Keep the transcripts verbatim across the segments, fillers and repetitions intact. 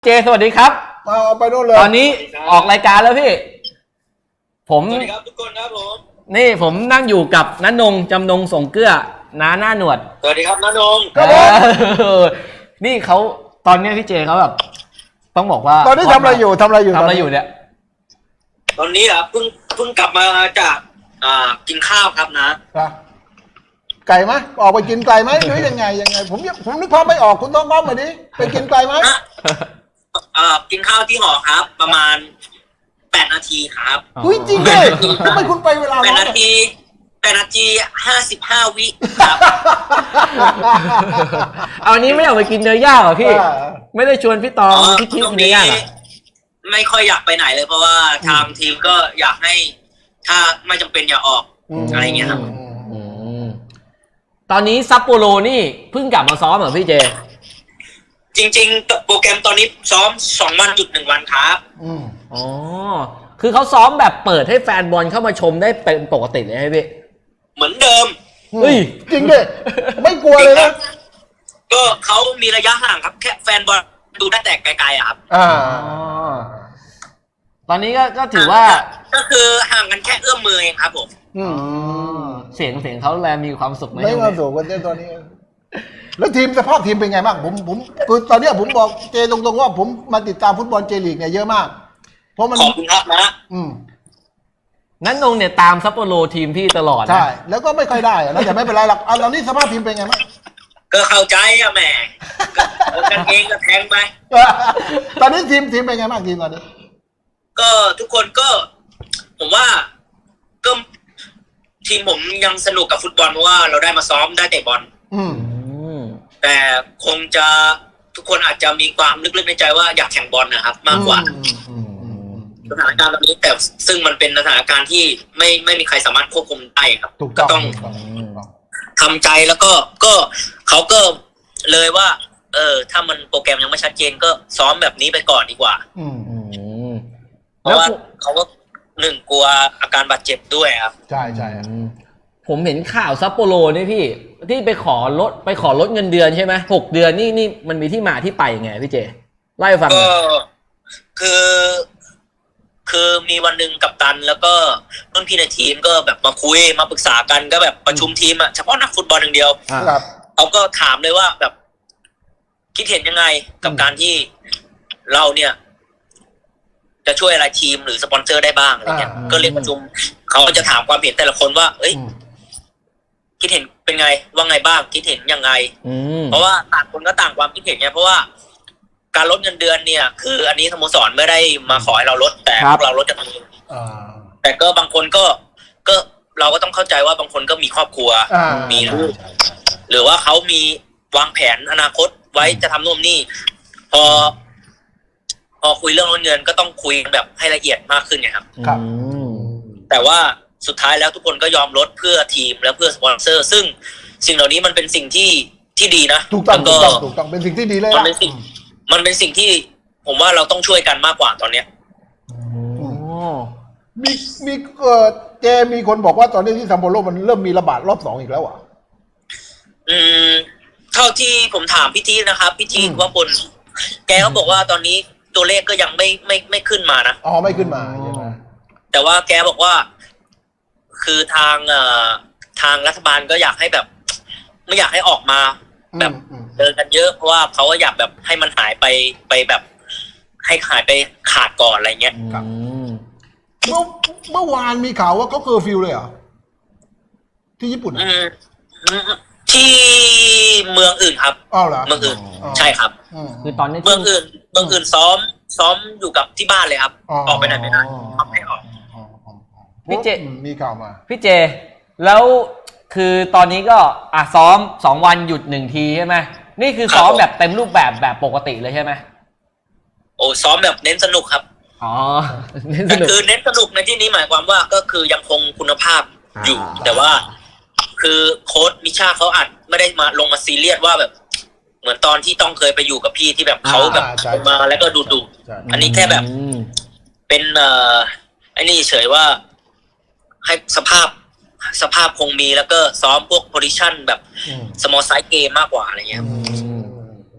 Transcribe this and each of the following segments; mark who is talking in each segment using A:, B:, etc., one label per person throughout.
A: เจสวัสดีครับ
B: เอาไปโน่นเลย
A: ตอนนี้ออกรายการแล้วพี่ผม
C: สวัสดีครับทุกคนครับผม
A: นี่ผมนั่งอยู่กับน้านงจำนงส่งเกลือน้าหน้าหนวด
C: สวัสดีครับน้านง
B: ครับผม
A: นี่เขาตอนนี้พี่เจเขาแบบต้องบอกว่า
B: ตอนนี้ทำอะไรอยู่ทำอะไรอยู่
A: ทำอะไรอยู่เนี่ย
C: ตอนนี้เหรอเพิ่งเพิ่งกลับมาจากอ่ากินข้าวครับนะ
B: ไก่ไหมออกไปกินไก่ไหมหรือยังไงยังไงผมผมนึกภาพไม่ออกคุณต้องง้อมมาดิไปกินไก่ไหม
C: อ่ากินข้าวที่หอครับ ประมาณแปดนาทีครับ
B: อุ้ยจริงเลยทำไมคุณไปเวลา
C: แปดนาทีแปดนาทีห้าสิบห้าวิครับ
A: เอาอันนี้ไม่อยากไปกินเนื้อย่างเหรอพี่ไม่ได้ชวนพี่ตองพี่คิดกินเนื้อย่างอ่ะ
C: ไม่ค่อยอยากไปไหนเลยเพราะว่าทางทีมก็อยากให้ถ้าไม่จำเป็นอย่าออกอะไรเงี้ยครับ
A: ตอนนี้ซัปโปโรนี่เพิ่งกลับมาซ้อมเหรอพี่เจ
C: จริงๆโปรแกรมตอนนี้ซ้อมสองวันจุดหนึ่งวันครับ
A: อ๋อคือเขาซ้อมแบบเปิดให้แฟนบอลเข้ามาชมได้เป็นปกติเลยใช่ไหมพี่
C: เหมือนเดิม
A: เฮ้ย
B: จริงดิไม่กลัวเลยนะ
C: ก็เขามีระยะห่างครับแค่แฟนบอลดูได้แต่ไกลๆครับ
A: อ่าตอนนี้ก็ก็ถือว่า
C: ก็คือห่างกันแค่เอื้อมมือเองครับผม
A: เสียงเสียงเขาแลมีความสุขไหม
B: ไม่ความสุขกันเจ้ตอนนี้แล้วทีมสภาพทีมเป็นไงบ้างผมผมคือตอนนี้ผมบอกเจตรงๆว่าผมมาติดตามฟุตบอลเจลีกเนี่ยเยอะมากเพราะมัน
C: ขอบคุณครับนะ
A: อืมนั้นนงเนี่ยตามซัปโปโรทีมพี่ตลอด
B: ใช่แล้วก็ไม่ค่อยได้แล้วแต่ไม่เป็นไรหรอกเอาตอนนี้สภาพทีมเป็นไงบ้าง
C: ก็เข้าใจอะแหมกันเองก็แทงไป
B: ตอนนี้ทีมทีมเป็นไงบ้างทีมตอนนี้
C: ก็ทุกคนก็ผมว่าก็ทีมผมยังสนุกกับฟุตบอลเพราะว่าเราได้มาซ้อมได้เตะบอลแต่คงจะทุกคนอาจจะมีความลึกๆในใจว่าอยากแข่งบอลนะครับมากกว่าสถานการณ์ตอนนี้แต่ซึ่งมันเป็นสถานการณ์ที่ไม่ไม่มีใครสามารถควบคุมได้ครับก็ต้องทำใจแล้วก็ก็เขาก็เลยว่าเออถ้ามันโปรแกรมยังไม่ชัดเจนก็ซ้อมแบบนี้ไปก่อนดีกว่าเพราะว่าเขาก็หนึ่งกลัวอาการบาดเจ็บด้วยครับ
B: ใช่ใช่
A: ผมเห็นข่าวซัปโปโรนี่พี่ที่ไปขอลดไปขอลดเงินเดือนใช่ไหมหกเดือนนี่นี่มันมีที่มาที่ไปไงพี่เจไล่ฟัง
C: ก็คือคือมีวันหนึ่งกัปตันแล้วก็รุ่นพี่ในทีมก็แบบมาคุยมาปรึกษากันก็แบบประชุมทีมอะเฉพาะนักฟุตบอลอย่างเดียวเขาก็ถามเลยว่าแบบคิดเห็นยังไงกับการที่เราเนี่ยจะช่วยอะไรทีมหรือสปอนเซอร์ได้บ้างอะไรเงี้ยก็เรียกประชุมเขาก็จะถามความเห็นแต่ละคนว่าเอ้ยคิดเห็นเป็นไงว่าไงบ้างคิดเห็นยังไงเพราะว่าต่างคนก็ต่างความคิดเห็นไงเพราะว่าการลดเงินเดือนเนี่ยคืออันนี้สโมสรไม่ได้มาขอให้เราลดแต่พวกเราลดกันเองแต่ก็บางคนก็ก็เราก็ต้องเข้าใจว่าบางคนก็มีครอบครัวมีลูกหรือว่าเขามีวางแผนอนาคตไว้จะทำโน่นนี่พอพอคุยเรื่องลดเงินก็ต้องคุยแบบให้ละเอียดมากขึ้นไงครับ
B: ครับ
C: แต่ว่าสุดท้ายแล้วทุกคนก็ยอมลดเพื่อทีมและเพื่อสปอนเซอร์ซึ่งสิ่งเหล่านี้มันเป็นสิ่งที่ที่ดีนะ
B: ถูกต้องถูกต้องถูกต้องเป็นสิ่งที่ดีเลย
C: มันเป็นสิ่งมันเป็นสิ่งที่ผมว่าเราต้องช่วยกันมากกว่าตอนเนี้ย
B: มีมีเอ่อเจมีคนบอกว่าตอนนี้ที่ซัปโปโรมันเริ่มมีระบาดรอบสองอีกแล้วอ่ะ
C: อืมเท่าที่ผมถามพี่ทีนะครับพี่ทีว่าคนแกเขาบอกว่าตอนนี้ตัวเลขก็ยังไม่ไม่ไม่ขึ้นมานะ
B: อ๋อไม่ขึ้นมาใช่ไหม
C: แต่ว่าแกบอกว่าคือทางเอ่อทางรัฐบาลก็อยากให้แบบไม่อยากให้ออกมาแบบเดินกันเยอะเพราะว่าเขาก็อยากแบบให้มันหายไปไปแบบให้หายไปขาดก่อนอะไรเงี้ย
B: ครับเมื่อเมื่อวานมีข่าวว่าเขาเคอร์ฟิวเลยเหรอที่ญี่ปุ่น
C: ที่เมืองอื่นครับ
B: อ๋อเหรอ
C: เมืองอื่นใช่ครับ
A: คือตอนนี้
C: เมืองอื่นเมืองอื่นซ้อมซ้อมอยู่กับที่บ้านเลยครับออกไปไหนไม่ได้ไม่ออก
A: พี่เจ
B: มีข่าวมา
A: พี่เจแล้วคือตอนนี้ก็อ่ะซ้อมสองวันหยุดหนึ่งทีใช่ไหมนี่คือซ้อมแบบเต็มรูปแบบแบบปกติเลยใช่ไหม
C: โอ้ซ้อมแบบเน้นสนุกครับ
A: อ๋อ
C: เน้นสนุกคือเน้นสนุกในที่นี้หมายความว่าก็คือยังคงคุณภาพอยู่แต่ว่าคือโค้ชมิชาเขาอาจไม่ได้มาลงมาซีเรียสว่าแบบเหมือนตอนที่ต้องเคยไปอยู่กับพี่ที่แบบเขาแบบมาแล้วก็ดูดูอันนี้แค่แบบเป็นเอ่อไอ้นี่เฉยว่าให้สภาพสภาพคงมีแล้วก็ซ้อมพวกโพซิชั่นแบบสมอลไซส์เกมมากกว่าอะไรเงี้ย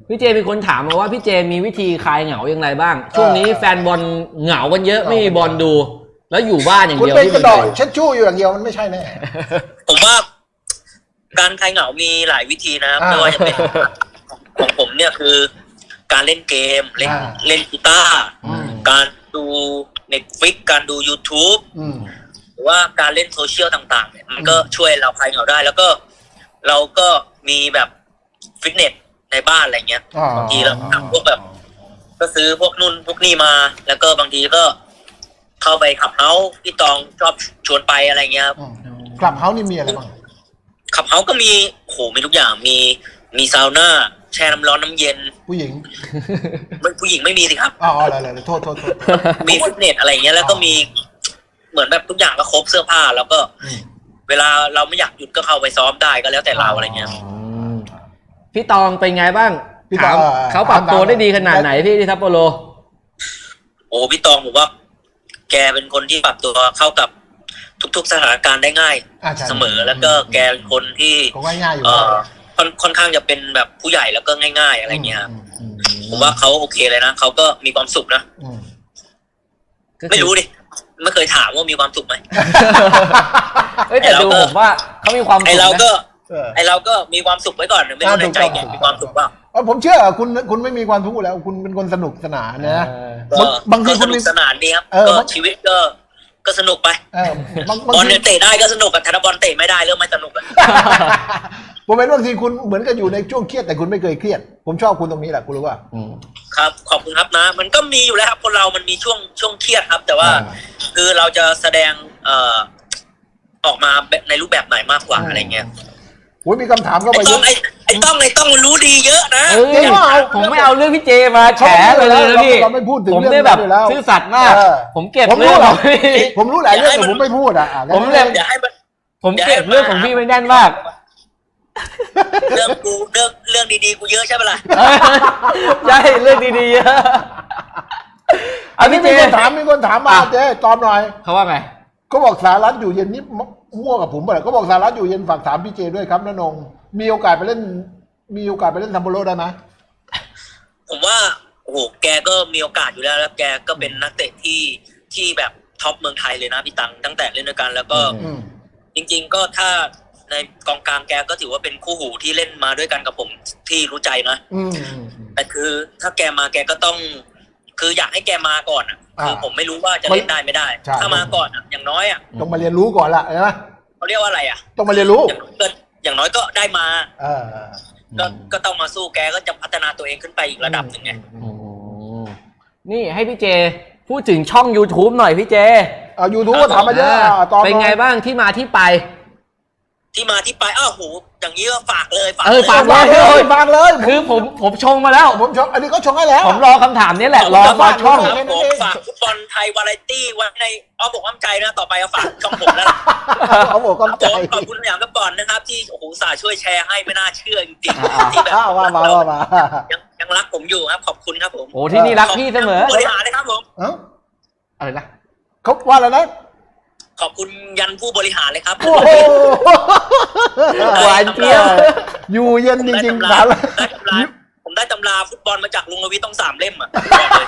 A: พี่เจมีคนถามมาว่าพี่เจมีวิธีคลายเหงาอย่างไรบ้างช่วงนี้แฟนบอลเหงากันเยอะไม่มีบอลดู แล้วอยู่บ้านอย่าง
B: คุณ
A: เดียว
B: เป็น
A: ที่
B: กระดอกเช็ดชู่อยู่อย่างเดียวมันไม่ใช่แน่
C: ผมว่าการคลายเหงามีหลายวิธีนะครับ
B: อ่า
C: ไม่ว่าจะเป็นของผมเนี่ยคือ การเล่นเกมเล่น
B: อ่า
C: เล่นกีตาร์
B: อืม
C: การดู Netflix การดู YouTube
B: อืม
C: หรือว่าการเล่นโซเชียลต่างๆเนี่ยมันก็ช่วยเราคลายเหงาได้ แล้วก็เราก็มีแบบฟิตเนสในบ้านอะไรเงี้ย
B: อ่า
C: บางทีเราทำพวกแบบ ก็ซื้อพวกนู่นพวกนี่มา แล้วก็บางทีก็เข้าไปขับเฮาส์พี่ตองชอบชวนไปอะไรเงี้ยครับ
B: อืมคลับเฮาส์นี่มีอะไรบ้าง
C: ขับเฮาส์ก็มีโหมีทุกอย่างมีมีซาวน่าแช่น้ำร้อนน้ำเย็น
B: ผู้หญิง
C: ไม่ผู้หญิงไม่มีสิครับ
B: อ๋ออะไรอะไรโทษโทษโทษ
C: มีฟิตเนสอะไรเงี้ยแล้วก็มีเหมือนแบบทุกอย่างก็ครบเสื้อผ้า แล้วก็
B: อืม
C: เวลาเราไม่อยากหยุดก็เข้าไปซ้อมได้ก็แล้วแต่เราอะไรเงี้ย
A: พี่ตองเป็นไงบ้าง
B: พี่ต
A: ถา
B: อง
A: ม
B: เอ่อ
A: เขาปรับ
B: ถาม
A: ตัวได้ดีขนาด
B: ได้
A: ไหนพี่ที่ซัปโปโร
C: โอ้พี่ตองผมว่า แกเป็นคนที่ปรับตัวเข้ากับทุกๆสถานการณ์ได้ง่าย
B: อ่าใช่
C: เสมอแล้วก็แกเป็นคนที่
B: ก็ง่ายๆอยู่
C: เอ
B: แล้ว
C: อค่อนค่อนข้างจะเป็นแบบผู้ใหญ่แล้วก็ง่าย ๆ อะไรเงี้ยครับ
B: อืมอืม
C: ผมว่าเขาโอเคเลยนะเขาก็มีความสุขนะ
B: อืม
C: ไม่รู้ดิไม่เคยถามว่ามีความสุขไหม
A: เอ้ยแต่ดูผมว่าเขามีความสุข
C: ไอเราก็
B: เออ
C: ไอเราก็มีความสุขไว้ก่อนไม่รู้ในใจแกมีความสุขเปล่า
B: เออผมเชื่อคุณคุณไม่มีความทุกข์แล้ว คุณเป็นคนสนุกสนานนะ
A: เออ
B: บางบางที
C: ก็
B: คุ
C: ส
B: ณ
C: นุ
B: มี
C: กสนานดีครับ
B: เออ
C: ก็
B: บาง
C: ชีวิตก็ก็สนุกไป
B: เออบางบาง
C: บอล
B: ที
C: เนี่ยเตะได้ก็สนุกกับธนบอลเตะไม่ได้เริ่มไม่สนุกแล้ว
B: ผมเป็นบางทีคุณเหมือนกับอยู่ในช่วงเครียดแต่คุณไม่เคยเครียด ผมชอบคุณตรงนี้แหละคุณรู้ป่ะ
A: อืม
C: ครับขอบคุณครับนะ มันก็มีอยู่แล้วครับคนเรามันมีช่วงช่วงเครียดครับ แต่ว่า
B: อ่า
C: คือเราจะแสดงเอ่อออกมาแบบในรูปแบบไหนมากกว่าอะไรเงี้ย
B: โอ้ยมีคำถามเข้า
C: ไอ้
B: ไปเย
C: ต้อง
B: อะ
C: ไอ้ไอ้ต้องไอ้ต้องมันรู้ดีเยอะนะ
A: เอ้ย
B: จริงว่าเอา
A: ผมไม่เอาเรื่องพี่เจมาแฉเลยนะพี่
B: เราไม่พูดถึง
A: ผม
B: เรื่อง
A: ได้แบบ
B: นั้นอยู่แล้ว
A: ซื่อสัตย์มาก
B: เออ
A: ผมเก็บ
B: ผมรู้
A: เรื่องของพี่
B: ผมรู้หลายเรื่องแต่ผมไม่พูดอ่ะอ่ะ
A: ผมเลย
C: อย่าให้มัน
A: ผมเก็บเรื่องของพี่ไว้แน่นมาก
C: เรื่องกูเรื่องเรื่องดีๆกูเยอะใช่ไหมล่ะ
A: ใช่เรื่องดีๆเยอะ
B: อันนี้
A: พี่
B: มี
A: เจ
B: คนถามมีคนถามมา
A: อ่ะ
B: เจ๊ตอบหน่อย
A: เขาว่าไง
B: ก็บอกสารัฐอยู่เย็นนี่มั่วกับผมไปเลยก็บอกสารัฐอยู่เย็นฝากถามพี่เจด้วยครับน้านงมีโอกาสไปเล่น มีโอกาสไปเล่นซัมโบโรได้ไหม
C: ผมว่าโอ้โหแกก็มีโอกาสอยู่แล้วแล้วแกก็เป็นนักเตะที่ที่แบบท็อปเมืองไทยเลยนะพี่ตังตั้งแต่เล่นด้วยกัน แล้วก็
A: อื
B: อืม
C: จริง ๆ ก็ถ้าในกองกลางแกก็ถือว่าเป็นคู่หูที่เล่นมาด้วยกันกับผมที่รู้ใจนะ
B: อืม
C: แต่คือถ้าแกมาแกก็ต้อง คืออยากให้แกมาก่อนอ่ะ
B: อ่า
C: คือผมไม่รู้ว่าจะเล่นได้ไม่ได้
B: ใช่
C: ถ้ามาก่อนอ่ะอย่างน้อยอ่ะ
B: ต้องมาเรียนรู้ก่อนละใช่ไหม
C: เขาเรียกว่าอะไรอ่ะ
B: ต้องมาเรียนรู้
C: อย่างน้อยก็อย่างน้อยก็ได้มา
B: เออ
C: ก็ก็ต้องมาสู้แกก็จะพัฒนาตัวเองขึ้นไปอีกระดับหนึ่งไง
A: อืมนี่ให้พี่เจพูดถึงช่อง YouTube หน่อยพี่เจ
B: เอายูทูบก็ถามมาเยอะอ่ะตอบ
A: เป็นไงบ้างที่มาที่ไป
C: ที่มาที่ไปอ้าวโหอย่างนี้ก็ฝากเลยฝาก
A: เออ
C: เลย
A: ฝาก
B: ฝากเลยฝากเลย
A: คือผมผมชงมาแล้ว
B: ผมชงอันนี้ก็ชงให้แล้ว
A: ผมรอคำถามนี้แหละ รอรอช่อง
C: ครับผมฝากฟุตบอลไทยวาไรตี้ไว้ในอ้อมอกอ้อมใจนะต่อไปเอาฝากช่องผมแล้วล่ะ
B: เขาบอก
C: ครับ
B: กำใจ
C: ผมขอบคุณสยามสปอร์ตนะครับที่โอ้โหสาช่วยแชร์ให้ไม่น่าเชื่อจริง
A: อ่า
C: ๆที่แบบ
B: อ้าวว่ามาว่ามา
C: ยังยังรักผมอยู่ครับขอบคุณครับผม
A: โอ้ที่นี่รักพี่เสมอ
C: ขบคุณผู้บริหารนะครับผม
B: เอ้า
A: อะไรนะ
B: เขาว่าอะไรนะ
C: ขอบคุณยันผู้บริหารเลยครับ
B: โอ้โห
A: หวานเจี๊ยบ
B: อยู่เย็นจริงๆ
C: ได้
B: สาร
C: ตำราได้ตำราผมได้ตำราฟุตบอลมาจากลุงรวิทย์ต้องสามเล่มอ่ะบอกเลย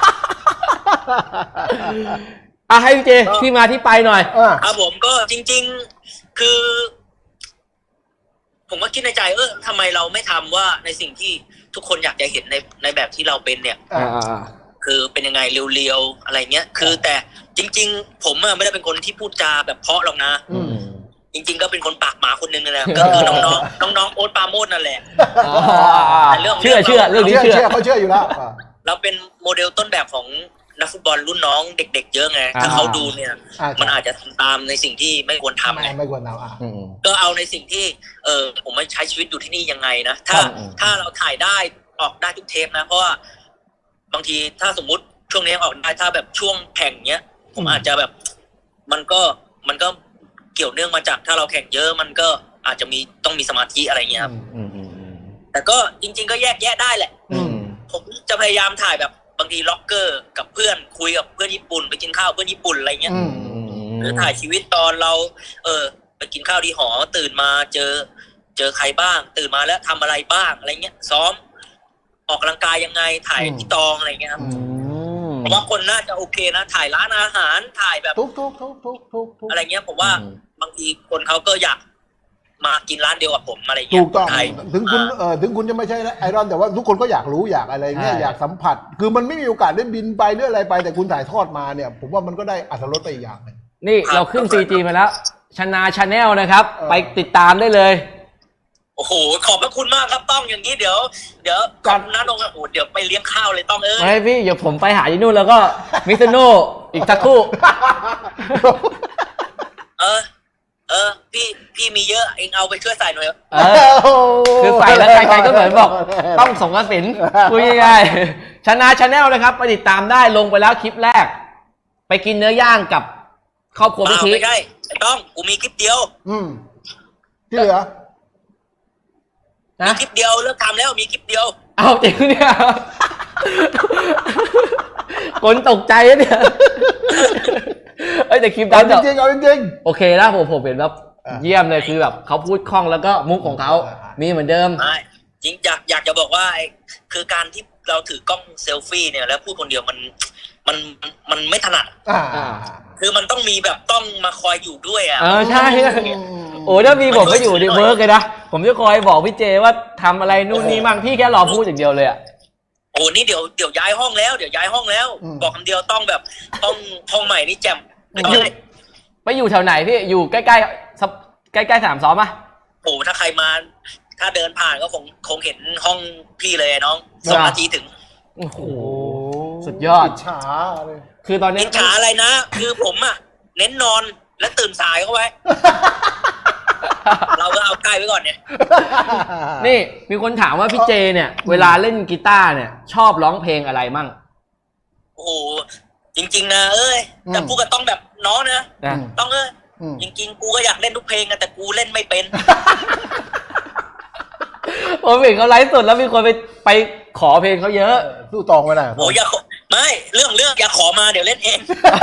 A: อ่ะให้พี่เจที่มาที่ไปหน่อย
B: อ่า
C: ครับผมก็จริง ๆคือ ผมก็คิดในใจเออทำไมเราไม่ทำว่าในสิ่งที่ทุกคนอยากจะเห็นในในแบบที่เราเป็นเนี่ย
B: อ่า
C: คือเป็นยังไงเรียวๆอะไรเงี้ย คือแต่จริง ๆ ผมอะไม่ได้เป็นคนที่พูดจาแบบเพราะหรอกนะ
B: อืม
C: จริง ๆ ก็เป็นคนปากหมาคนนึงนั่นแหละก็คือน้องๆน้องๆโอ๊ตปราโมชนั่นแหละ แต่เรื่อง
A: เชื่อเชื่อเรื่องนี้
B: เชื่อ
A: เชื่อ
B: เชื่อเขาเชื่ออยู่แล้วอ่า
C: เราเป็นโมเดลต้นแบบของนักฟุตบอลรุ่นน้องเด็ก ๆ เยอะไง
A: อ่า
C: ถ้าเขาดูเนี่ย
B: อ่า
C: มันอาจจะทำตามในสิ่งที่ไม่ควรทำไง
B: ไม่ไม่ควรเอาอ่ะ
A: อืม
C: ก็เอาในสิ่งที่ เออผมมาใช้ชีวิตอยู่ที่นี่ยังไงนะถ้า
A: ครับ
C: ถ้าเราถ่ายได้ออกได้ทุกเทปนะ เพราะว่าบางทีถ้าสมมุติช่วงนี้ออกได้ถ้าแบบช่วงแข่งเนี้ย ผมอาจจะแบบ มันก็มันก็เกี่ยวเนื่องมาจากถ้าเราแข่งเยอะ มันก็อาจจะมีต้องมีสมาธิอะไรเงี้ยครับ
A: อืมอืมอืม
C: แต่ก็จริง ๆ ก็แยกแยะได้แหละ
A: อืม
C: ผมจะพยายามถ่ายแบบบางทีล็อกเกอร์กับเพื่อนคุยกับเพื่อนญี่ปุ่นไปกินข้าวเพื่อนญี่ปุ่นอะไรเงี้ย
B: อืม
C: หรือถ่ายชีวิตตอนเรา เออไปกินข้าวที่หอตื่นมาเจอ เจอใครบ้าง ตื่นมาแล้วทำอะไรบ้างอะไรเงี้ย ซ้อมออกกำลังกายยังไงถ่ายที่ตองอะไรเงี้ยครับผมว่าคนน่าจะโอเคนะถ่ายร้านอาหารถ่ายแบบ
B: ทุกทุกทุกทุกทุกทุก
C: อะไรเงี้ยผมว่าบางทีคนเขาก็อยากมากินร้านเดียวกับผมอะไรเงี้ย
B: ถูกต้องถึงคุณเออถึงคุณจะไม่ใช่ไอรอนแต่ว่าทุกคนก็อยากรู้อยากอะไรเงี้ยอยากสัมผัสคือมันไม่มีโอกาสได้บินไปหรืออะไรไปแต่คุณถ่ายทอดมาเนี่ยผมว่ามันก็ได้อรรถรสไปอีกอย่างนึง
A: นี่เราขึ้น ซี จี มาแล้วชนาชาแนลนะครับไปติดตามได้เลย
C: โอ้โหขอบพระคุณมากครับต้องอย่างนี้เดี๋ยวเดี๋ยวก่อนน้าดงโอ้เดี๋ยวไปเลี้ยงข้าวเลยต้องเอ้ย
A: ไม่พี่เดี๋ยวผมไปหาที่นู่นแล้วก็มิสโนอีกสักครู่
C: เออเออพี่พี่มีเยอะเองเอาไปช่วยใส่หน่อย
A: เออคือใส่แล้วใครๆก็เหมือนบอกต้องส่งกสินคุยง่ายๆชนะชาแนลนะครับไปติดตามได้ลงไปแล้วคลิปแรกไปกินเนื้อย่างกับครอบครัวพี่ที
C: ไม่ใช่ต้องกูมีคลิปเดียว
B: อืมที่เหลือ
C: มีคลิปเดียวเลิกทำแล้วมีคลิปเดียว
A: เอาจริงเนี่ยคนตกใจเนี่ยเอ้ยแต่คลิปนั้น
B: จริงๆเอาจริง
A: ๆโอเคนะผมผมเห็นแบบเยี่ยมเลยคือแบบเขาพูดคล่องแล้วก็มุกของเขามีเหมือนเดิม
C: จริงอยากอยากจะบอกว่าคือการที่เราถือกล้องเซลฟี่เนี่ยแล้วพูดคนเดียวมันมันมันไม่ถนัดคือมันต้องมีแบบต้องมาคอยอยู่ด้วยอ่ะ
A: เออใช่โอ้ถ้ามีผมก็อยู่ในเวิร์กเลยนะผมจะคอยบอกพี่เจว่าทำอะไรนู่นนี่มั่งพี่แค่รอพูดอย่างเดียวเลยอ่ะ
C: โอ้นี่เดี๋ยวเดี๋ยวย้ายห้องแล้วเดี๋ยวย้ายห้องแล้วบอกคำเดียวต้องแบบต้องห้องใหม่นี่แจ่ม
A: ไปอยู่แถวไหนพี่อยู่ใกล้ใกล้ใกล้ใกล้สนามซ้อมป่ะ
C: โอ้ถ้าใครมาถ้าเดินผ่านก็คงคงเห็นห้องพี่เลยน้องสองนาทีถึง
A: โอ้โหสุดยอด
B: อิจฉาเลย
A: คือตอนนี้
C: อิจฉาอะไรนะคือผมอ่ะเน้นนอนและตื่นสายเข้าไว้เราก็เอาใกล้ไว้ก่อนเนี่ย
A: นี่มีคนถามว่าพี่เจเนี่ยเวลาเล่นกีตาร์เนี่ยชอบร้องเพลงอะไรมั่ง
C: โอ้จริงๆนะเอ้ยแต่พูดก็ต้องแบบน้องนะต้องเอ้ยจริงๆกูก็อยากเล่นทุกเพลงแต่กูเล่นไม่เป็น
A: ผมเห็นเขาไลฟ์สดแล้วมีคนไปไปขอเพลงเขาเยอะ
B: สู้ตองไม่ได้
C: โอ้ยอย่าไม่เรื่องเรื่องอย่าขอมาเดี๋ยวเล่นเอง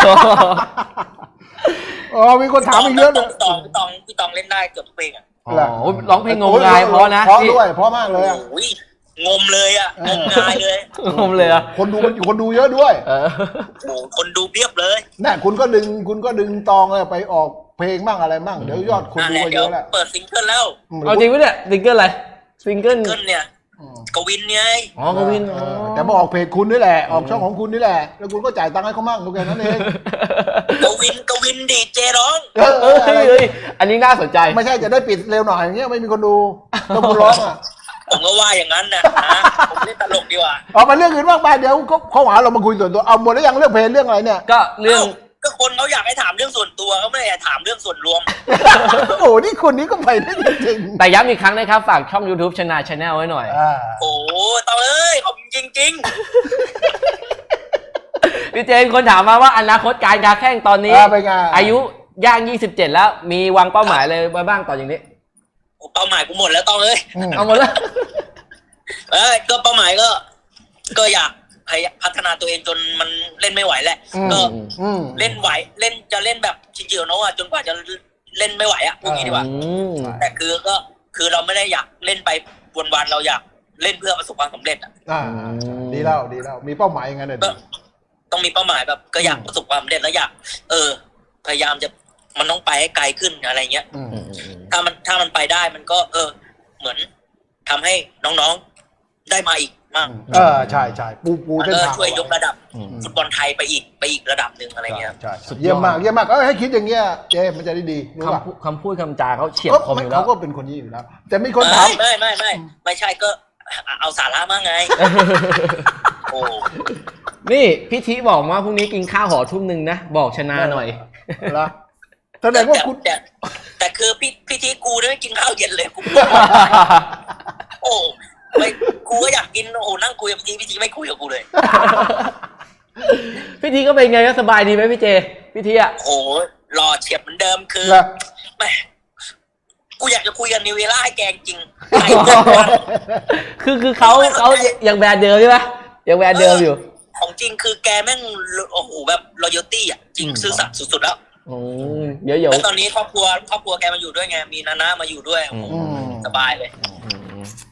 B: อ๋อมีคนถามอีกเยอะเลย
C: พี่ตองพี่ตองพี่ตองเล่นได้เกือบทุกเพลงอ่ะ
A: ร้องเพลงงมงายเพราะนะ
B: เพราะด้วยเพราะมากเลยอ่ะ
C: งมเลยอ่ะงมงายเลย
A: งมเลยอ่ะ
B: คนดูมันคนดูเยอะด้วย
C: โอ้คนดูเพียบเลย
B: น่ะคุณก็ดึงคุณก็ดึงตองไปออกเพลงบ้างอะไรบ้างเดี๋ยวยอดคนดูเยอะแล้ว
C: เปิดซิงเกิลแล้ว
A: เอาจริงปะเนี่ยซิงเกิลอะไรซิงเกิล
C: เนี่ยกวินไง
A: อ๋อกวิน
B: แต่มาออกเพจคุณนี่แหละออกช่องของคุณนี่แหละแล้วคุณก็จ่ายตังค์ให้เขามั่งทุกอย่างนั้นเอง
C: กวินกวินดีเจร้อง
A: เอออันนี้น่าสนใจ
B: ไม่ใช่จะได้ปิดเร็วหน่อยอย่างเงี้ยไม่มีคนดูต้องคุณร้องอ่ะ
C: ผมก็ว่าอย่างนั้นนะผมเล่นตลกดีกว่า
B: เอามาเรื่องอื่นบ้างไปเดี๋ยวเขาหาเรามาคุยส่วนตัวเอาหมดแล้วยังเรื่องเพลงเรื่องอะไรเนี่ย
A: ก็เรื่อง
C: ก็คนเขาอยากให้ถามเรื่องส่วนตัวเขาไม่ได้ถามเรื่องส่วนรวม
B: โอ้นี่คนนี้ก็ไปได้จริง
A: แต่ย้ำอีกครั้งนะครับฝากช่อง YouTube ชนะ Channel ไว้หน่อย
C: โอ้ต่อเอ้ยขอบจริงจริง
A: พี่เจนคนถามมาว่าอนาคตการการแข่งตอนนี้อายุย่างยี่สิบเจ็ดแล้วมีวางเป้าหมายเลยไว้บ้างต่ออย่างนี้
C: เป้าหมายกูหมดแล้วต้องเอ้ย
A: เอาหมดแล้ว
C: เอ้ยก็เป้าหมายก็ก็อยากพัฒนาตัวเองจนมันเล่นไม่ไหวแหละก็เล่นไหวเล่นจะเล่นแบบชิงจิโอโนะจนกว่าจะเล่นไม่ไหวอ่ะพูดงี้ดีกว่าแต่คือก็คือเราไม่ได้อยากเล่นไปวันๆเราอยากเล่นเพื่อประสบความสำเร็จอ่ะ
B: ดีแล้วดีแล้วมีเป้าหมายอย่างนั้นเลย
C: ต้องมีเป้าหมายแบบก็อยากประสบความสำเร็จแล้วอยากเออพยายามจะมันต้องไปให้ไกลขึ้นอะไรเงี้ยถ้ามันถ้ามันไปได้มันก็เออเหมือนทำให้น้องๆได้มาอีกมาก
B: เออใช่ใช่ปูปู
C: เส้นทางช่วยยกระดับฟุตบอลไทยไปอีกไปอีกระดับหนึ่งอะไรเงี้ย
B: เยี่ยมมากเยี่ยมมากเออให้คิดอย่างเงี้ยเจมันจะได้ดี
A: คำคำพูดคำจาเขาเฉียบคมอยู่แล้ว
B: เขาก็เป็นคนนี้อยู่แล้วแต่มีคนถาม
C: ไม่ไม่ไม่ไม่ใช่ก็เอาสาระมากไงโอ้
A: นี่พี่ทิบอกว่าพรุ่งนี้กินข้าวหอทุ่มหนึ่งนะบอกชนะหน่อย
B: ละแสดงว่าคุณ
C: แต่แต่คือพี่พี่ทิกูไม่กินข้าวเย็นเลยกูโอ้ไม่กูก็อยากกินโอ้นั่งคุยกับพี่ทีพี่ทีไม่คุยกับกูเลย
A: พี่ทีก็เป็นไงก็สบายดีไหมพี่เจพี่ทีอ่ะ
C: โอ้หล่อเฉียบเหมือนเดิมคือแม่กูอยากจะคุยกับนิวเวล่าให้แกจริง
A: คือคือเขาเขายังแบรนด์เดิมใช่ไหมยังแบรนด์เดิมอยู่
C: ของจริงคือแกแม่งโอ้โหแบบรอยัลตี้อ่ะจริงซื่อสัตย์สุดๆแล้ว
A: โอ้เยอะๆ
C: แล้วตอนนี้ครอบครัวครอบครัวแกมาอยู่ด้วยไงมีนานามาอยู่ด้วยสบายเลย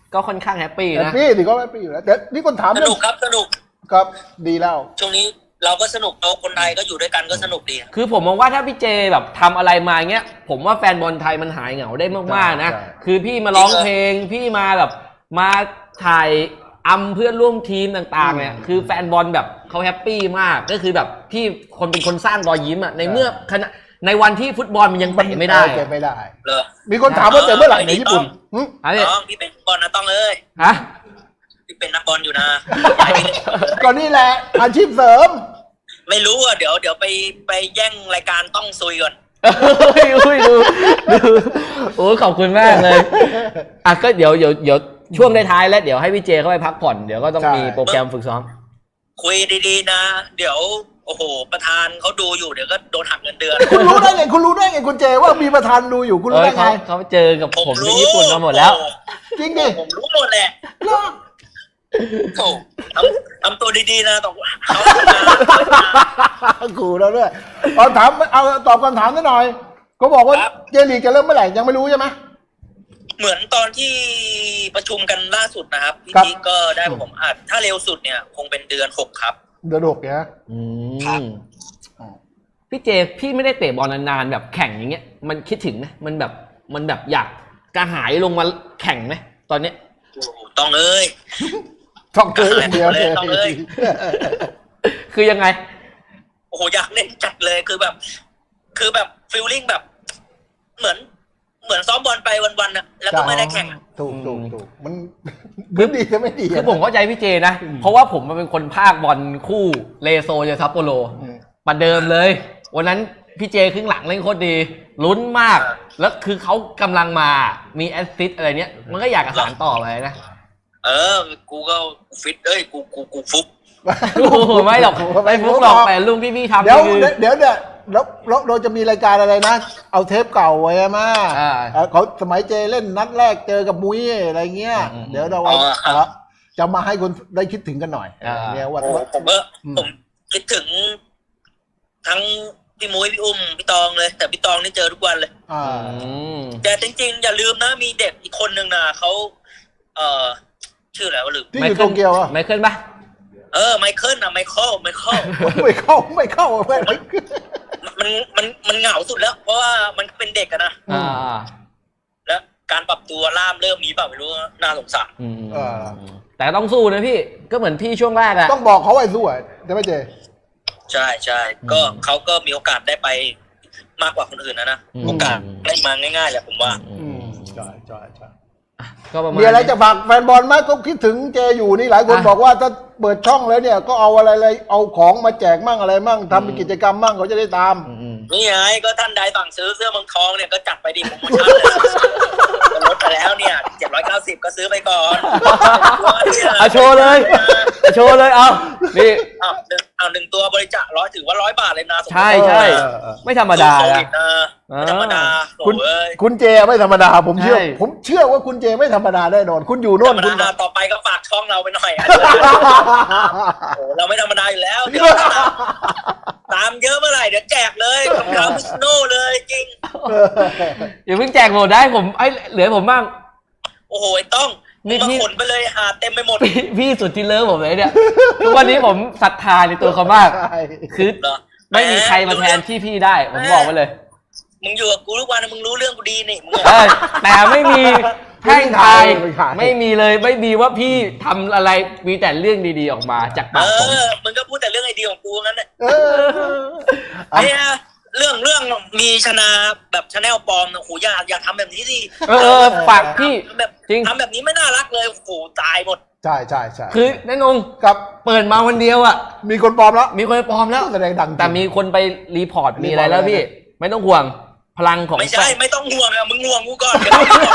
A: ก็ค่อนข้างแฮปปี้
B: แฮป
A: นะ
B: ปี้สิก็แฮปปี้อยู่แล้วแต่นี่คนถาม
C: สนุกครับสนุก
B: ครับดีแล้ว
C: ช่วงนี้เราก็สนุกเราคนไทยก็อยู่ด้วยกันก็สนุกดี
A: คือผมมองว่าถ้าพี่เจแบบทำอะไรมาเงี้ยผมว่าแฟนบอลไทยมันหายเหงาได้มากๆนะ
B: ใช่
A: คือพี่มาร้องเพลงพี่มาแบบมาถ่ายอำเพื่อนร่วมทีมต่างๆเนี่ยคือแฟนบอลแบบเขาแฮปปี้มากก็คือแบบพี่คนเป็นคนสร้างรอยยิ้มอ่ะในเมื่อขณะในวันที่ฟุตบอลมันยังเตะไม่ได้
B: เตะไม่ได้
C: เหรอ
B: มีคนถามว่าเตะเมื่อไหร่ในญี่ปุ่นหึ
A: อะไร
C: น้องพี่เป็นบอลนะต้องเอ้ย
A: ฮะ
C: พี่เป็นนักบอลอยู่นะอย่าให้พี่เล่นบอลเลย
B: ก็นี่แหละอาชีพเสริม
C: ไม่รู้อ่ะเดี๋ยวเดี๋ยวไปไปแย่งรายการต้องซุยก่อน
A: เฮ้ยอุ้ยดูดูโอ้ขอบคุณมากเลยอ่ะก็เดี๋ยวเดี๋ยวเดี๋ยวช่วงท้ายๆแล้วเดี๋ยวให้พี่เจเข้าไปพักผ่อนเดี๋ยวก็ต้อง
B: ใช่
A: มีโปรแกรมฝึกซ้อม
C: คุยดีๆนะ เดี๋ยวโอ้โหประธานเขาดูอยู่เดี๋ยวก็โดนหักเงินเดือน
B: คุณรู้ได้ไงคุณรู้ได้ไงคุณเจว่ามีประธานดูอยู่คุณ
A: เอ
B: รู้
A: อ
B: ได้ไง
A: เขาเขาเจอกับผมที่ญี่ปุ่นมาหมดแล้ว
B: จริงดิ
C: ผมรู้หมดแหละโอ้ทำทำตัวดีๆนะต้องเขา
B: ขู่เราด้วยเอาถามเอาตอบคำถามนิดหน่อยเขาบอกว่าเจลีกจะเริ่มเมื่อไหร่ยังไม่รู้ใช่ไหม
C: เหมือนตอนที่ประชุมกันล่าสุดนะครับพี่
B: ครับ
C: จิ๊กก็ได้บอกผมอาจถ้าเร็วสุดเนี่ย คงเป็นเดือนหกครับ
B: เดือนหกเนี่ย
A: อื
C: ครับ
A: มพี่เจพี่ไม่ได้เตะบอลนานๆแบบแข่งอย่างเงี้ยมันคิดถึงไหมมันแบบมันแบบอยากกระหายลงมาแข่งไหมตอนเนี้ย
C: โอ้โหต้องเอ้ย
B: ช่องเกยอย่างเดียวเลย
C: ต้องเลย
A: คือยังไง
C: โอ้โหอยากเล่นจัดเลยคือแบบ คือแบบฟีลลิ่งแบบ เหมือน เหมือนซ้อมบอลไปวันๆนะแล้วก็ไม่ได้แข่ง
B: ถูกถูกถูกมันคือดีจะไม่ดี
A: คือผมเข้าใจพี่เจนะ เพราะว่าผมมันเป็นคนภาคบอลคู่เลโซเจอซัปโปโร
B: อืม
A: ประเดิมเลย วันนั้นพี่เจครึ่งหลังเล่นโคตรดี ลุ้นมาก แล้วคือเขากำลังมามีแอสซิสต์อะไรเนี้ย มันก็อยากกระสานต่อไปนะ
C: เออ กูก็ฟิตเอ้ย กูกูกูฟุก
A: โอ้โหไม่หรอกไม่ฟุกหรอกแต่ลุงที่พี่ทำ
B: เดี๋ยว
A: คือ
B: เดี๋ยวเนี่ยแล้วแล้วเราจะมีรายการอะไรนะ เอาเทปเก่าไว้มา
A: อ่า
B: เอ่อเขาสมัยเจเล่นนัดแรกเจอกับมุ้ยอะไรเงี้ย
A: อืม
B: เดี๋ยวเราเอา
C: อ๋อครับ
B: จะมาให้คนได้คิดถึงกันหน่อย
A: อ่า
B: เนี่ยว่า
C: โอ้โหผมก็
B: อืม
C: ผมคิดถึง ทั้งพี่มุ้ยพี่อุ้มพี่ตองเลย แต่พี่ตองนี่เจอทุกวันเลย
B: อ่า
A: อืม
C: แต่จริงๆ อย่าลืมนะ มีเด็กอีกคนนึงนะเขาเอ่อชื่ออะไรวะลืม
B: ที่อยู่โตเกียวอ่ะ
A: ไมเคิลปะ
C: เออไมเคิลนะไมเคิลไมเคิล
B: ไม่เข้าไม่เข้าไม่
C: มันมันมันเหงาสุดแล้ว เพราะว่ามันเป็นเด็กอะนะ
A: อ่า
C: แล้วการปรับตัวล่ามเริ่มมีเปล่าไม่รู้น่าสงสาร
A: อืม
B: เออ
A: แต่ต้องสู้นะพี่ ก็เหมือนพี่ช่วงแรกอะ
B: ต้องบอกเขาไว้สู้อ่ะจะไม่เจ
C: ใช่ใช่ก็เขาก็มีโอกาสได้ไปมากกว่าคนอื่นนะนะ
A: อืม
C: โอกาสไม่มาง่ายๆแหละผมว่า
A: อื
B: อื
A: ม
B: มใช่ใช่ใช่
A: ก็ประมาณ
B: มีอะไรจะฝากแฟนบอลไหมก็คิดถึงเจอยู่นี่หลายคน
A: อ่ะ
B: บอกว่าถ้าเปิดช่องแล้วเนี่ยก็เอาอะไรอะไรเอาของมาแจกมั่งอะไรมั่งทำเป็นกิจกรรมมั่งเขาจะได้ตาม
A: อืมอืม
C: นี่ไงก็ท่านใดสั่งซื้อเสื้อเมืองทองเนี่ยก็จัดไปดิโปรโมชั่นเลยลดไปแล้วเนี่ยเจ็ดร้อยเก้าสิบก็ซื้อไปก่อน
A: เอาโชว์เลยเอาโชว์เลยเอานี่
C: อ้าวหนึ่งอ้าวหนึ่งตัวบริจาคร้อยถือว่าร้อยบาทเลยนะสมมุติ
A: ใช่ใช่
B: เออเออ
A: ไม่ธรรมดา
C: สู้โค
A: นะ
C: วิดนะไม่ธรรมดาโอ้
B: คุณ
C: เอ้ย
B: คุณเจไม่ธรรมดาผมเชื่อ
A: ใช่
B: ผมเชื่อว่าคุณเจไม่ธรรมดาแน่นอน คุณอยู่
C: ธ
B: โน่
C: ร
B: น
C: รม
B: คุณ
C: ดาต่อไปก็ฝากช่องเราไปหน่อยอ่ะโอ้เราไม่ธรรมดาอยู่แล้วเดี๋ยวตามเยอะเมื่อไหร่เดี๋ยวแจกเลยรองเท้ามิสโน่เลยจริง
A: อย่าเพิ่งแจกหมดได้ผมไอ้เหลือผมบ้าง
C: โอ้โหไอ้ต้อง
A: นี่
C: มึง
A: พี่
C: มาขนไปเลยหาเต็มไปหมด
A: พี่พี่สุดที่เลิฟผมเลยเนี่ยทุกวันนี้ผมศรัทธาในตัวเขามาก
B: ใช่
A: คือ
C: เหรอ
A: ไม่มีใครมาแทนที่พี่ได้ ผมบอกไว้เลย
C: มึงอยู่กับกูทุกวันนะมึงรู้เรื่องกูดีนี่มึง
A: เออแต่ไม่มีแท่งทาย
B: ไม่ขาย
A: ไม่มีเลยไม่มีว่าพี่ทำอะไรมีแต่เรื่องดีๆออกมาจาก
C: เอ
A: ปากผม
C: อมึงก็พูดแต่เรื่องไอเดียของกูงั้นแหละ
B: เออ
C: เนี่ยเรื่องเรื่องมีชนะแบบชาแนลปลอมนะโอ้โหอย่าอย่าทำแบบนี้สิ
A: เออเออฝากพี่
C: แบบ
A: จริง
C: ทำแบบนี้ไม่น่ารักเลยโอ้โหตายหมด
B: ใช่ใช่ใช่
A: คือแน่นง
B: กับ
A: เปิดมาวันเดียวอ่ะ
B: มีคนปลอมแล้ว
A: มีคนไปปลอมแล้ว
B: แสดงดังจริง
A: แต่มีคนไปรีพอร์ตมีอะไรแล้วพี่ ไม่ต้องห่วงพลังของ
C: ไม่ใช่ไม่ต้องห่วงอะมึงห่วงกูก่อนเดี๋ยว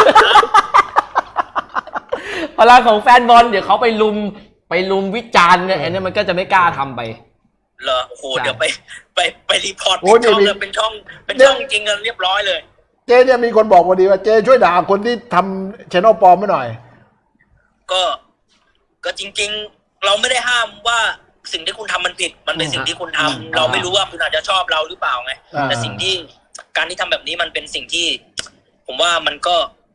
A: พลังของแฟนบอลเดี๋ยวเขาไปลุมไปลุมวิจารณ์เนี่ยอันนี้มันก็จะไม่กล้าทำไป
C: เหรอโอ้โหเดี๋ยวไปไปไปรีพอร์ต
B: โอ้
C: เป็น
B: นี่
C: ช่อง
B: มี
C: เลยเป็นช่องเป็นช่องจริงกันเรียบร้อยเลย
B: เจเนี่ยมีคนบอกพอดีว่าเจช่วยด่าคนที่ทำชแนลปลอมมาหน่อย
C: ก็ก็จริง ๆ เราไม่ได้ห้ามว่าสิ่งที่คุณทำมันผิด มันเป็นสิ่งที่คุณทำ
B: อืม
C: เราไม่รู้ว่าคุณอาจจะชอบเราหรือเปล่าไง
B: อ่า
C: แต่สิ่งที่การที่ทำแบบนี้มันเป็นสิ่งที่ ผมว่ามันก็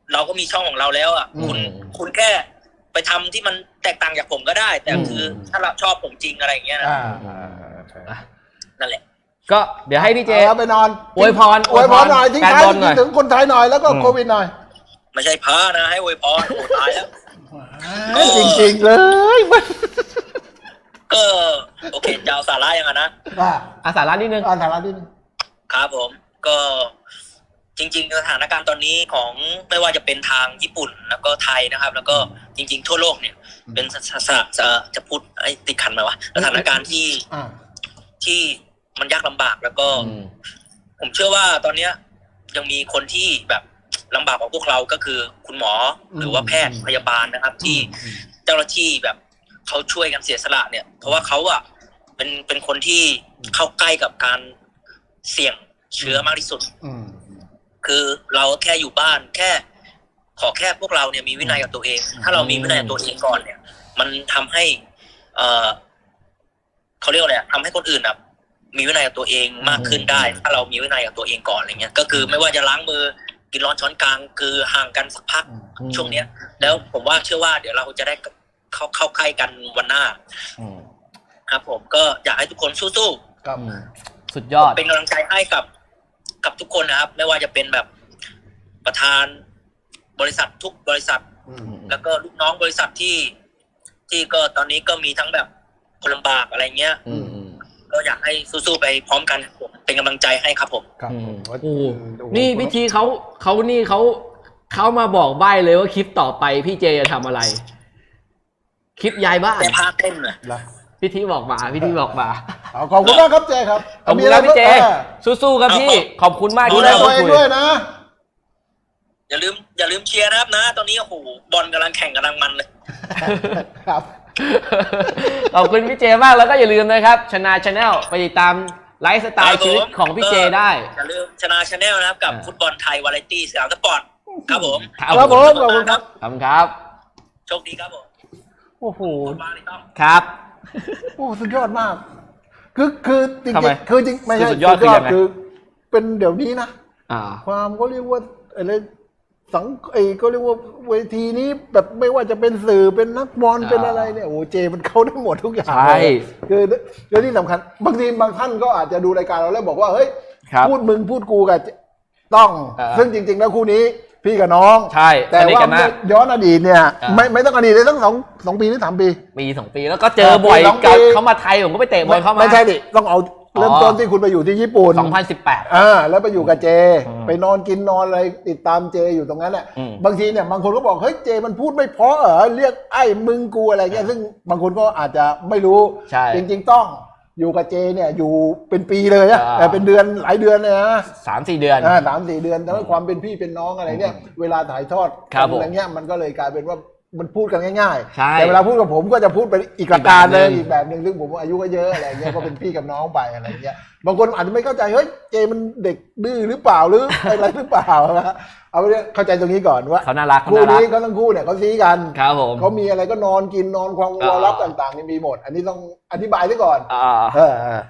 C: เราก็มีช่องของเราแล้วอ่ะ
A: อืม
C: คุณคุณแค่ไปทำที่มันแตกต่างจากผมก็ได้ แต่
A: อืม
C: คือถ้าเราชอบผมจริงอะไรอย่างเงี้ยนะ
B: อ่า
C: นั่นแหละ
A: ก็เดี๋ยวให้พี่เจ
B: เอาไปนอน
A: อวยพร
B: อวยพรหน่อยทิ้ง
A: แฟน
B: ท้าย
A: บอลหน่อย
B: ถึงคนไทยหน่อยแล้วก็
A: อืม
B: โควิดหน่อย
C: ไม่ใช่พระนะให้อวยพรโอ้ตายแล้ว
B: จริงๆเลยมัน
C: ก็โอเคจะเอาสาระยังไงนะ
B: อ่า
A: อาสาระนิดนึง
B: อ่านฐานะที่นึง
C: ครับผมก็จริงๆสถานการณ์ตอนนี้ของไม่ว่าจะเป็นทางญี่ปุ่นแล้วก็ไทยนะครับ แล้วก็จริง ๆ ทั่วโลกเนี่ย เป็นสสสจะจะพูดไอ้ติดขันไหมวะสถานการณ์ที่
B: อ่า
C: ที่มันยากลำบากแล้วก็
A: อืม
C: ผมเชื่อว่าตอนเนี้ยยังมีคนที่แบบลำบากกว่าพวกเราก็คือคุณหมอหรือว่าแพทย์พยาบาลนะครับ ที่เจ้าหน้าที่แบบเขาช่วยกันเสียสละเนี่ย เพราะว่าเขาอะเป็นเป็นคนที่เข้าใกล้กับการเสี่ยงเชื้อมากที่สุด
B: อืม
C: คือเราแค่อยู่บ้านแค่ ขอแค่พวกเราเนี่ยมีวินัยกับตัวเอง ถ้าเรามีวินัยกับตัวเองก่อนเนี่ย มันทำให้ เออเขาเรียกว่าอะไรอะทำให้คนอื่นอะมีวินัยกับตัวเองมากขึ้นได้ ถ้าเรามีวินัยกับตัวเองก่อนอะไรเงี้ย ก็คือไม่ว่าจะล้างมือกินร้อนช้อนกลางคือห่างกันสักพัก
A: อืม
C: ช่วงเนี้ย แล้วผมว่าเชื่อว่าเดี๋ยวเราจะได้เข้าเข้าใกล้กันวันหน้า
A: อืม
C: ครับผมก็อยากให้ทุกคนสู้
B: ครับ
A: อืมสุดยอด
C: ๆเป็นกำลังใจให้กับกับทุกคนนะครับ ไม่ว่าจะเป็นแบบประธานบริษัททุกบริษัท
B: อืม
C: แล้วก็ลูกน้องบริษัทที่ ที่ก็ตอนนี้ก็มีทั้งแบบคนลำบากอะไรเงี้ย
A: อืมอืม
C: ก็อยากให้สู้ๆไปพร้อมกันครับผมเป็นกำลังใจให้ครับผม
B: ครับ
A: อื
B: ผม ม
A: โอ้โห
B: โอ้โห
A: นี่พิธีเขาเขานี่เขาเขามาบอกใบ้เลยว่าคลิปต่อไปพี่เจจะทำอะไร คลิปยายบ้าน
C: แต่พาเต้นเลย
B: นะ
A: พิธีบอกมาพิธีบอกมา
B: เอาขอบคุณมากครับเจครับ
A: ขอบ
B: มี
A: คุณ
B: อะไร
A: ครับพี่เจ
B: ออ
A: สู้ๆครับพี่ ขอบคุณมาก
B: ดู
A: ที่
B: แล
A: ได้
B: ตั
A: พู
B: ว
A: ด
B: เอง
A: คุย
B: ด้วยนะ
C: อย่าลืมอย่าลืมเชียร์นะครับนะ ตอนนี้โอ้โหบอลกำลังแข่งกำลังมันเลย
B: ครับ
A: ขอบคุณพี่เจมากแล้วก็อย่าลืมนะครับชนะชาแนลไปติดตามไลฟ์สไตล์ชีวิตของพี่เจได้
C: อย่าลืมชนะชาแนลนะครับกับ
A: อ่า
C: ฟุตบอลไทยวาไรตี้สยามสปอร์ตครับผม
B: ครับผมขอบคุณครับ
A: ขอบคุณครับ
C: โชคดีครับผม
B: โอ้โห
C: ขอบคุณมากเลยครับ
A: ครับ
B: โอ้สุดยอดมาก คือคือจริง
A: ทำไม
B: ๆคือจริงไม่ใช่
A: สุดยอดคือยังไง
B: คือเป็นเดี๋ยวนี้นะ
A: อ่า
B: ความก็เรียกว่าอะไรสังไอ้ก็เรียกว่าเวทีนี้แบบไม่ว่าจะเป็นสื่อเป็นนักบอล
A: อ่า
B: เป็นอะไรเนี่ยโอ้เจมันเข้าได้หมดทุกอย่าง
A: ใช่
B: เลยคือเรื่องที่สำคัญบางทีบางท่านก็อาจจะดูรายการเราแล้วบอกว่าเฮ้ย
A: ครับ
B: พูดมึงพูดกูกับต้อง
A: อ่า
B: ซึ่งจริง ๆ แล้วคู่นี้พี่กับน้อง
A: ใช่
B: แต่
A: สนิท
B: ว่า
A: กันมาก
B: ย้อนอดีตเนี่ย
A: อ่า
B: ไม่ไม่ต้องอดีตเลยตั้งสองสองปีหรือสามปี
A: ปีสองปีแล้วก็เจอบ่อย
B: ปีสองปี
A: กับเขามาไทยผมก็ไปเตะบอลเข้ามา
B: ไม่ใช่ดิต้องเอาเริ่ม
A: อ๋อ
B: ต้นที่คุณไปอยู่ที่ญี่ปุ่น
A: สองพันสิบแปด
B: อ่าแล้วไปอยู่กับเจ
A: อืม
B: ไปนอนกินนอนอะไรติดตามเจอยู่ตรงนั้นแหละ
A: อืม
B: บางทีเนี่ยบางคนก็บอกเฮ้ยเจมันพูดไม่เพราะเหรอเรียกไอ้มึงกูอะไรเงี้ยซึ่งบางคนก็อาจจะไม่รู้
A: ใช่
B: จริง ๆ ต้องอยู่กับเจเนี่ยอยู่เป็นปีเลยอะ
A: อ่า
B: แต่เป็นเดือนหลายเดือนเลยนะ
A: สามสี่เดือน
B: อ่าสามสี่เดือนแต่ว่าความเป็นพี่เป็นน้องอะไรเนี่ยเวลาถ่ายทอด
A: ครับผม
B: อะไรเงี้ยมันก็เลยกลายเป็นว่ามันพูดกันง่าย
A: ใช่
B: ๆแต่เวลาพูดกับผมก็จะพูดเป็นอีกประการเลย
A: อี
B: อี
A: ก
B: ก
A: แบ
B: แบบ บ
A: ห
B: ห
A: นึ่
B: นึ่
A: ง
B: งซึ่งผมอายุก็เยอะอะไรเงี้ยก็เป็นพี่กับน้องไปอะไรเงี้ยบางคนอาจจะไม่เข้าใจเฮ้ยเจมันเด็กดื้อหรือเปล่าหรืออะไรหรือเปล่านะเอาไปเนี่ยเข้าใจตรงนี้ก่อนว่า
A: เขาน่ารักเขา
B: คู่
A: น่ารัก
B: นี้เขาทั้งคู่เนี่ยเขาซีกัน
A: ครับผม
B: เขามีอะไรก็นอนกินนอนความ
A: อ่า
B: วอลับต่างๆนี่มีหมด อันนี้ต้องอธิบายไว้ก่อน
A: อ่า
B: เออ